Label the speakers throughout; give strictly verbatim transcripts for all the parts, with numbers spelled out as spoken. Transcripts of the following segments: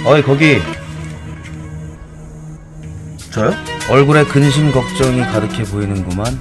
Speaker 1: 어이 거기. 저요? 얼굴에 근심 걱정이 가득해 보이는구만.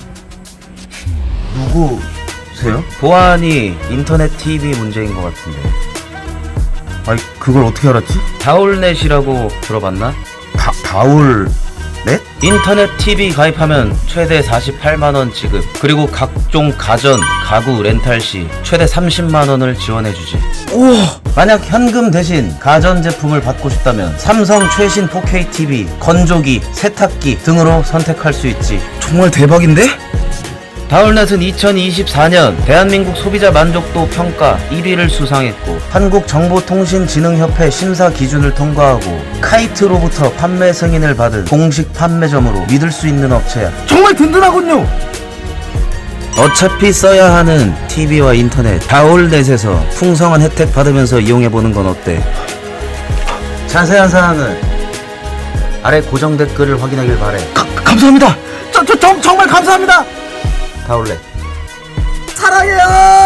Speaker 1: 누구세요? 보안이 인터넷 티비 문제인 것 같은데. 아이 그걸 어떻게 알았지? 다울넷이라고 들어봤나? 다, 다울넷? 인터넷 티비 가입하면 최대 사십팔만 원 지급, 그리고 각종 가전, 가구 렌탈 시 최대 삼십만 원을 지원해주지. 우와! 만약 현금 대신 가전제품을 받고 싶다면 삼성 최신 포케이 티비, 건조기, 세탁기 등으로 선택할 수 있지. 정말 대박인데? 다울넷은 이천이십사 년 대한민국 소비자 만족도 평가 일 위를 수상했고, 한국정보통신진흥협회 심사 기준을 통과하고 카이트로부터 판매 승인을 받은 공식 판매점으로 믿을 수 있는 업체야. 정말 든든하군요. 어차피 써야 하는 티비와 인터넷, 다울넷에서 풍성한 혜택 받으면서 이용해보는 건 어때? 자세한 사항은 아래 고정 댓글을 확인하길 바래. 가, 감사합니다. 저, 저, 저, 정말 감사합니다. 다울렛 사랑해요.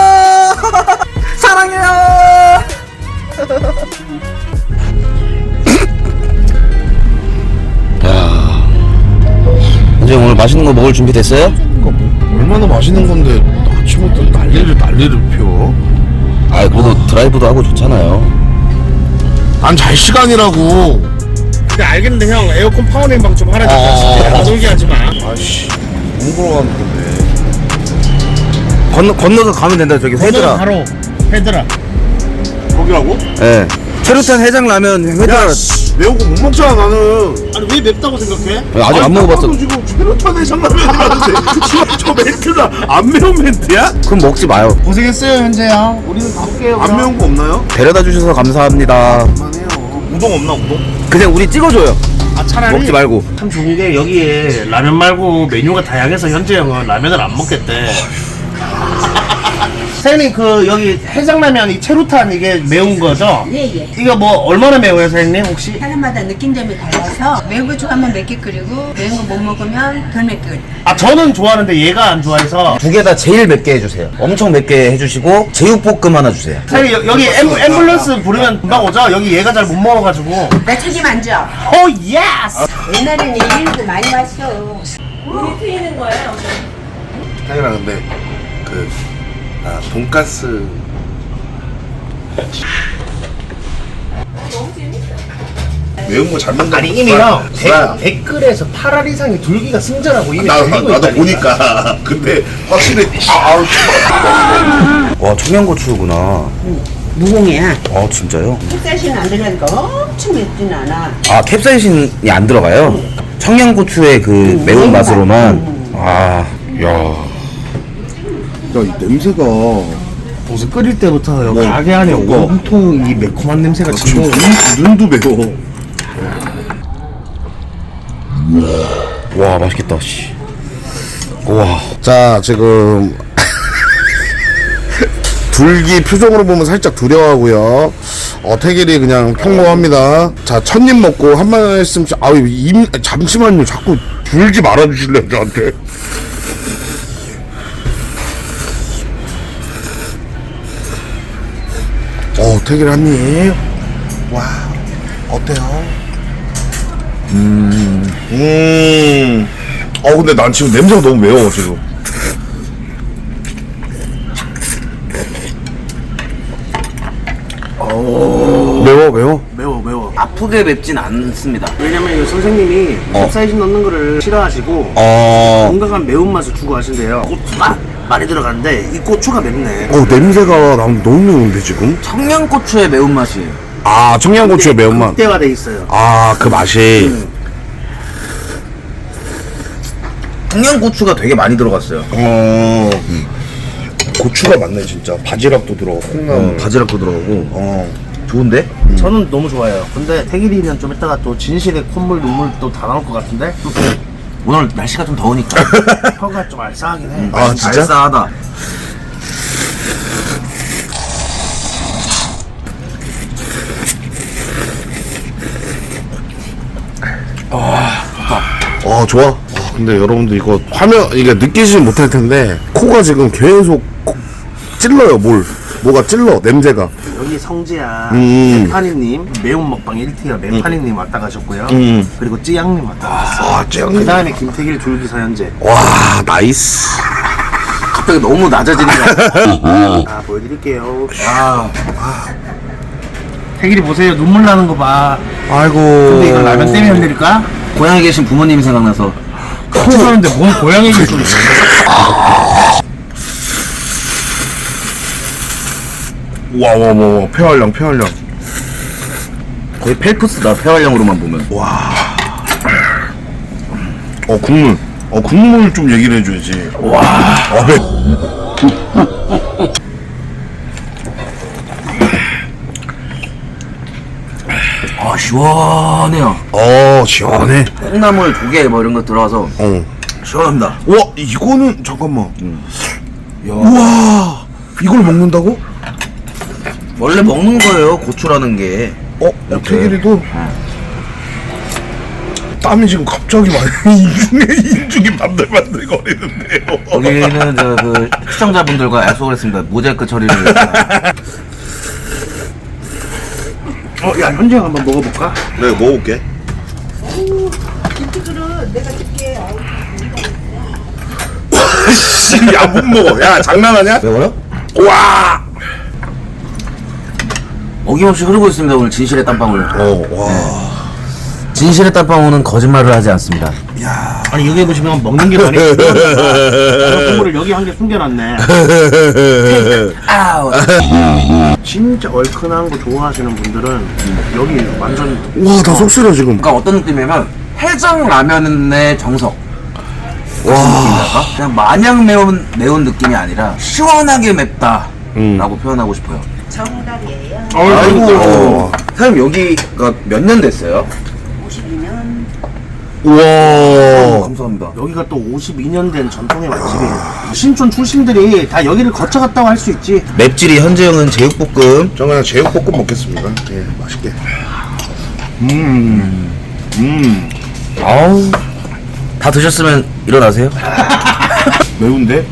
Speaker 1: 사랑해요. 야, 이제 오늘 맛있는 거 먹을 준비 됐어요?
Speaker 2: 얼마나 맛있는 건데 아침부터 난리를 난리를 펴.
Speaker 1: 아, 그래도 드라이브도 하고 좋잖아요.
Speaker 2: 난 잘 시간이라고.
Speaker 3: 근데 알겠는데 형, 에어컨 파워링 방 좀 하라니까.
Speaker 1: 아,
Speaker 3: 안 놀게 하지 마.
Speaker 2: 아씨, 너무 걸어가는 건데.
Speaker 1: 건너, 건너서 가면 된다. 저기 회드라.
Speaker 3: 바로 헤드라.
Speaker 2: 거기라고?
Speaker 1: 예. 최루탄 해장라면 회드라.
Speaker 2: 매운 거 못 먹잖아 나는.
Speaker 3: 아니 왜 맵다고 생각해?
Speaker 1: 아직 안 먹어봤어.
Speaker 2: 나도 지금 최루탄에 장라면이라는데 저 멘트가 안 매운 멘트야?
Speaker 1: 그럼 먹지 마요.
Speaker 3: 고생했어요 현재 형. 우리는 가볼게요.
Speaker 2: 안 매운 거 없나요?
Speaker 1: 데려다 주셔서 감사합니다.
Speaker 2: 그만해요. 우동 없나 우동?
Speaker 1: 그냥 우리 찍어줘요.
Speaker 3: 아 차라리
Speaker 1: 먹지 말고.
Speaker 3: 참 좋은 게 여기에 라면 말고 메뉴가 다양해서 현재 형은 라면을 안 먹겠대. 사장님 그 여기 해장라면 이 체루탄 이게 매운 거죠?
Speaker 4: 예예.
Speaker 3: 이거 뭐 얼마나 매워요 사장님 혹시?
Speaker 4: 사람마다 느낀 점이 달라서 매운 거 좋아하면 맵게 끓이고 매운 거 못 먹으면 덜 맵게 끓이고.
Speaker 3: 아 저는 좋아하는데 얘가 안 좋아해서.
Speaker 1: 두 개 다 제일 맵게 해주세요. 엄청 맵게 해주시고 제육볶음 하나 주세요.
Speaker 3: 사장님 여, 여기 앰, 앰뷸런스 부르면 금방 오죠? 여기 얘가 잘 못 먹어가지고.
Speaker 4: 나 책임 안 져.
Speaker 3: 오 예스!
Speaker 4: 옛날에는 일일도 많이 왔어.
Speaker 5: 우리 트이는 거예요?
Speaker 2: 태근아 근데 그 아, 돈가스
Speaker 5: 너무 재밌어.
Speaker 2: 매운 거 잘 먹는
Speaker 3: 아니 이미 형 댓글에서 팔 알 이상의 둘기가 승자라고 이미
Speaker 2: 나,
Speaker 3: 달리고
Speaker 2: 나도
Speaker 3: 있다니까.
Speaker 2: 보니까 근데 확실히 아우
Speaker 1: 와, 청양고추구나.
Speaker 4: 무공이야.
Speaker 1: 아, 진짜요?
Speaker 4: 흑사시는 안 들어가니까 엄청 맵진 않아.
Speaker 1: 아, 캡사이신이 안 들어가요? 청양고추의 그 매운 맛으로만. 아, 야.
Speaker 2: 야, 이 냄새가
Speaker 3: 무슨 끓일 때부터 여기
Speaker 2: 네.
Speaker 3: 가게 안에
Speaker 2: 이거.
Speaker 3: 온통 이 매콤한 냄새가
Speaker 2: 지금
Speaker 3: 진동.
Speaker 2: 눈도 매워.
Speaker 1: 와, 맛있겠다, 씨. 우와.
Speaker 2: 자, 지금 둘기 표정으로 보면 살짝 두려워하고요. 어, 태길이 그냥 평범합니다. 자, 첫 입 먹고 한 말씀, 아유, 임, 잠시만요. 자꾸 불지 말아주실래요, 저한테? 어, 태길이 한 입. 와, 어때요? 음, 음. 어, 근데 난 지금 냄새가 너무 매워, 지금. 매워, 매워?
Speaker 3: 매워 매워.
Speaker 1: 아프게 맵진 않습니다.
Speaker 3: 왜냐면 이 선생님이 캡사이신 넣는 거를 싫어하시고
Speaker 1: 어.
Speaker 3: 건강한 매운맛을 주고 하신대요. 고추가 많이 들어가는데 이 고추가 맵네.
Speaker 2: 어, 냄새가 난 너무 매운데, 지금?
Speaker 1: 청양고추의 매운맛이에요.
Speaker 2: 아, 청양고추의 매운맛.
Speaker 3: 극대화돼 있어요.
Speaker 2: 아, 그 맛이.
Speaker 1: 청양고추가 되게 많이 들어갔어요.
Speaker 2: 어, 고추가 많네, 진짜. 바지락도 들어가고.
Speaker 1: 어, 바지락도 들어가고.
Speaker 2: 어.
Speaker 1: 좋은데?
Speaker 3: 저는 너무 좋아해요. 근데 태길이는 좀 이따가 또 진실의 콧물 눈물 또 다 나올 것 같은데
Speaker 1: 오늘 날씨가 좀 더우니까.
Speaker 3: 혀가 좀 알싸하긴 해.
Speaker 2: 아, 진짜?
Speaker 1: 알싸하다.
Speaker 2: 어, 좋아. 어, 근데 여러분들 이거 화면, 이게 느끼지 못할 텐데, 코가 지금 계속 코- 찔러요, 뭘. 뭐가 찔러, 냄새가.
Speaker 3: 여기 성지야
Speaker 2: 음.
Speaker 3: 메파니님 매운 먹방 일 티어 메파니님 왔다 가셨고요.
Speaker 2: 음.
Speaker 3: 그리고 찌양님 왔다 가셨어요.
Speaker 2: 아, 짱.
Speaker 3: 그 다음에 김태길 줄기사 현재.
Speaker 2: 와, 나이스.
Speaker 1: 갑자기 너무 낮아지는 거.
Speaker 3: 아 보여드릴게요. 아, 아. 태길이 보세요. 눈물 나는 거 봐.
Speaker 2: 아이고.
Speaker 3: 근데 이걸 라면 때문에 흔들릴까?
Speaker 1: 고향에 계신 부모님이 생각나서.
Speaker 3: 같이 사는데 뭔 고양이 얘기 소리.
Speaker 2: 와, 와, 와, 폐활량, 폐활량.
Speaker 1: 거의 펠프스다, 폐활량으로만 보면.
Speaker 2: 어, 국물. 어, 국물 좀 얘기를 해줘야지. 와. 어, 배.
Speaker 1: 아, 시원해요.
Speaker 2: 어, 시원해.
Speaker 1: 콩나물, 조개 뭐 이런 거 들어가서
Speaker 2: 어.
Speaker 1: 시원합니다.
Speaker 2: 와, 이거는, 잠깐만. 우와. 이걸 먹는다고?
Speaker 1: 원래 먹는 거예요, 고추라는 게.
Speaker 2: 어, 태길이도 땀이 지금 갑자기 많이 인중에 인중이 반들반들 거리는데요.
Speaker 1: 여기는 저 그 시청자분들과 약속을 했습니다. 모자이크 처리를.
Speaker 3: 어, 야 현지형 한번 먹어볼까?
Speaker 2: 네, 먹어볼게.
Speaker 4: 김치그릇 내가 줄게.
Speaker 2: 야, 못 먹어. 야, 장난하냐?
Speaker 1: 매워요?
Speaker 2: 와.
Speaker 1: 어김없이 흐르고 있습니다. 오늘 진실의 땀방울.
Speaker 2: 어, 와.
Speaker 1: 진실의 땀방울은 거짓말을 하지 않습니다.
Speaker 3: 아니 여기 보시면 먹는 게 많이 국물을 여기 한 개 숨겨놨네.
Speaker 1: 아우.
Speaker 3: 진짜 얼큰한 거 좋아하시는 분들은 여기 완전
Speaker 2: 와, 나 속 쓰려 지금.
Speaker 1: 그러니까 어떤 느낌이냐면 해장 라면의 정석. 와. 그냥 마냥 매운 매운 느낌이 아니라 시원하게 맵다라고
Speaker 2: 음.
Speaker 1: 표현하고 싶어요.
Speaker 4: 정답이에요.
Speaker 1: 아이고. 사장님 여기가 몇 년 됐어요?
Speaker 4: 오십이 년.
Speaker 2: 우와.
Speaker 1: 감사합니다.
Speaker 3: 여기가 또 오십이 년 된 전통의 맛집이에요. 신촌 출신들이 다 여기를 거쳐갔다고 할 수 있지.
Speaker 1: 맵찔이 현재형은 제육볶음.
Speaker 2: 저 그냥 제육볶음 먹겠습니다. 예, 맛있게. 음. 음.
Speaker 1: 아우. 다 드셨으면 일어나세요.
Speaker 2: 매운데?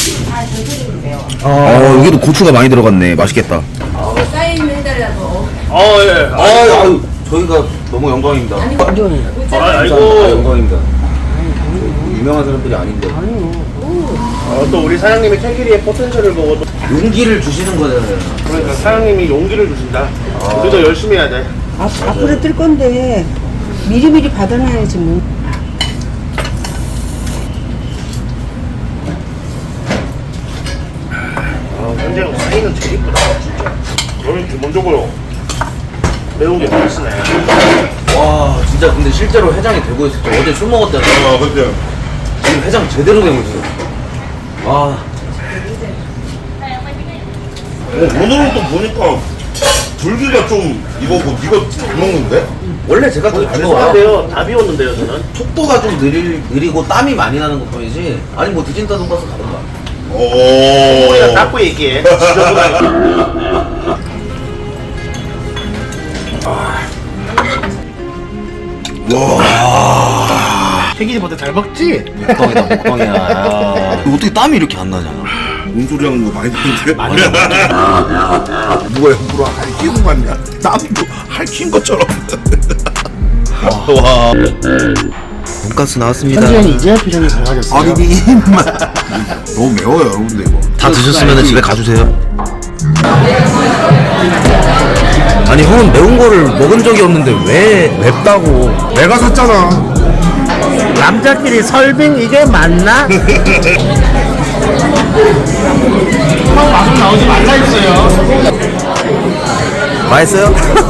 Speaker 1: 어, 여기도 고추가 많이 들어갔네. 맛있겠다.
Speaker 5: 사인 해달라고.
Speaker 3: 어 예.
Speaker 1: 아유, 저희가 너무 영광입니다.
Speaker 3: 아, 아이고.
Speaker 1: 아, 영광입니다. 유명한 사람들이 아닌데.
Speaker 3: 어, 또 우리 사장님이 태길이의 포텐셜을 보고 또
Speaker 1: 용기를 주시는 거잖아요.
Speaker 3: 그러니까 사장님이 용기를 주신다. 우리도 열심히 해야 돼.
Speaker 4: 아, 앞으로 뜰 건데 미리미리 받아놔야지 뭐.
Speaker 3: 아, 현재형 사이는 제일 이쁘다 진짜. 너는 기본적으로 매운 게 맛있네.
Speaker 1: 와, 진짜 근데 실제로 해장이 되고 있었죠. 어제 술 먹었잖아.
Speaker 2: 아, 근데.
Speaker 1: 지금 해장 제대로 되고 있어요. 와,
Speaker 2: 어, 오늘은 또 보니까 불기가 좀 이거 뭐 이거 잘 먹는데?
Speaker 1: 원래 제가 더 잘 먹어요.
Speaker 3: 죄송한데요. 다 비웠는데요 저는.
Speaker 1: 속도가 좀 느리, 느리고 땀이 많이 나는 것 뿐이지. 아니 뭐 디진타 돈가스 가던가.
Speaker 2: 오.
Speaker 3: 우리가 닦고 얘기해. 지저분하게. 태길이보다 잘 먹지?
Speaker 1: 먹방이다 먹방이야. 어떻게 땀이 이렇게 안 나냐?
Speaker 2: 뭔 소리 하는 거 많이 듣는데? 누가 옆으로 핥히고 갔냐? 땀도 핥힌 것처럼. 와.
Speaker 1: 돈가스 나왔습니다.
Speaker 3: 현지형이 이제야 표정이 밝아졌어요.
Speaker 1: 아니
Speaker 2: 너무 매워요, 여러분들 이거.
Speaker 1: 다 드셨으면 집에 가주세요. 아니 형은 매운 거를 먹은 적이 없는데 왜
Speaker 2: 맵다고. 내가 샀잖아.
Speaker 3: 남자끼리 설빙 이게 맞나? 형 방송 나오지 말라 했어요.
Speaker 1: 맛있어요?